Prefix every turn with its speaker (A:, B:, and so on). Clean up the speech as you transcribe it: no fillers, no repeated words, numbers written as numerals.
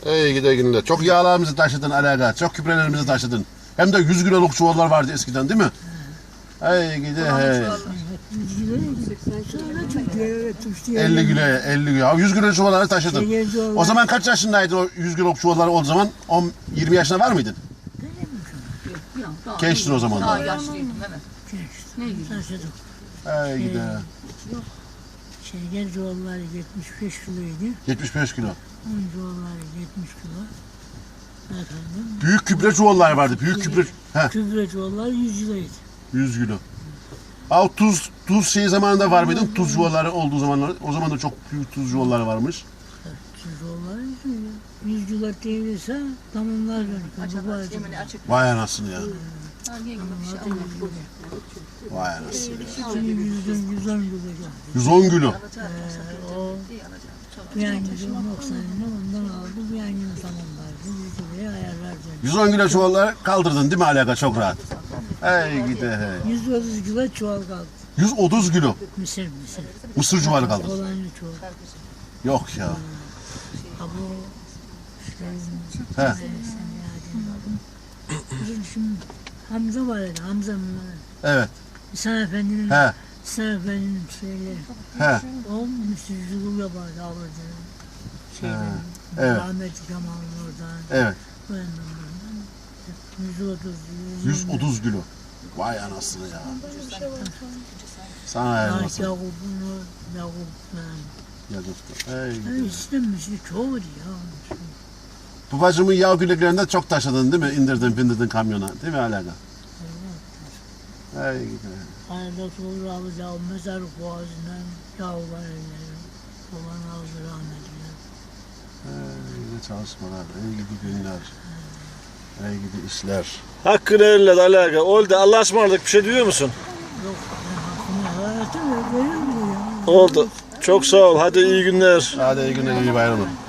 A: Ey gide günler. Çok yağlarımızı taşıdın Alaga. Çok küprelerimizi taşıdın. Hem de 100 kiloluk çuvallar vardı eskiden değil mi? Ey gide hey. 50 kilo, 50 kilo. 100 kilo çuvalları taşıdın. O zaman kaç yaşındaydın o 100 kiloluk çuvalları o zaman? 20 yaşında var mıydın? Gençtin o zaman da.
B: Daha yaşlıydım evet.
C: Taşıdık.
A: Ey gide.
C: Şeker çuvalları 75 kiloydu.
A: 75 kilo.
C: Un çuvalları 70 kilo. Efendim.
A: Büyük kübre çuvallar vardı. Büyük kübre. Heh,
C: Kübre çuvalları 100 kiloydu.
A: 100 kilo. Al tuz şey zamanında var mıydın? Tuz çuvalları olduğu zamanlar. O zaman da çok büyük tuz çuvalları varmış.
C: Kübre çuvalları 100 kilo değilse tamamlar
B: Açık, yemini açık.
A: Vay anasını ya.
B: Hangi gibi bir şey almadım.
A: Vay anasını ya.
C: 110 kilo.
A: 110 kilo.
C: O
B: İyi alacağım. Çok.
C: bir an gibi 90'ını ondan aldı. Bir an gibi tamamlardı. 100 kiloya ayarlardı.
A: 110 kilo çuvalları kaldırdın değil mi Alaka çok rahat? Ey gide hey.
C: 130 kilo çuval kaldı.
A: 130 kilo.
C: Mısır.
A: Mısır çuvalı kaldı.
C: Olanlı çuval.
A: Yok ya.
C: Ha bu işte
A: He.
C: bizim şimdi Hamza var ya, Hamza mı?
A: Evet.
C: İhsan Efendi'nin
A: He.
C: İhsan Efendi'nin şeyleri.
A: He.
C: O müsürcülüğü yapardı alırdı. Şeyden,
A: Evet.
C: Rahmetli Kemal'ın oradan.
A: Evet.
C: Bu yandan buradan.
A: 130 kilo. Vay anasını ya. Sana ayırmasın.
C: Yakup'un
A: Ey gide.
C: İstemişti çoğu ya.
A: Babacımın yağ külleklerinde çok taşıdın değil mi? İndirdin bindirdin kamyona. Değil mi Alaka? Ey gide.
C: Arada sonra alacağım mezarlık boğazından yağlar elleri. Baban aldı rahmetli.
A: Ey gide çalışmalar. Ey gidi günler. Ey gidi işler.
D: Hakkını elle Alaka. Oldu. Allah'a ısmarladık. Bir şey diyor musun?
C: Yok ben hakkımı hayatım yok. Verir mi ya?
D: Oldu. Çok sağ ol. Hadi iyi günler.
A: Hadi iyi günler, iyi bayramlar.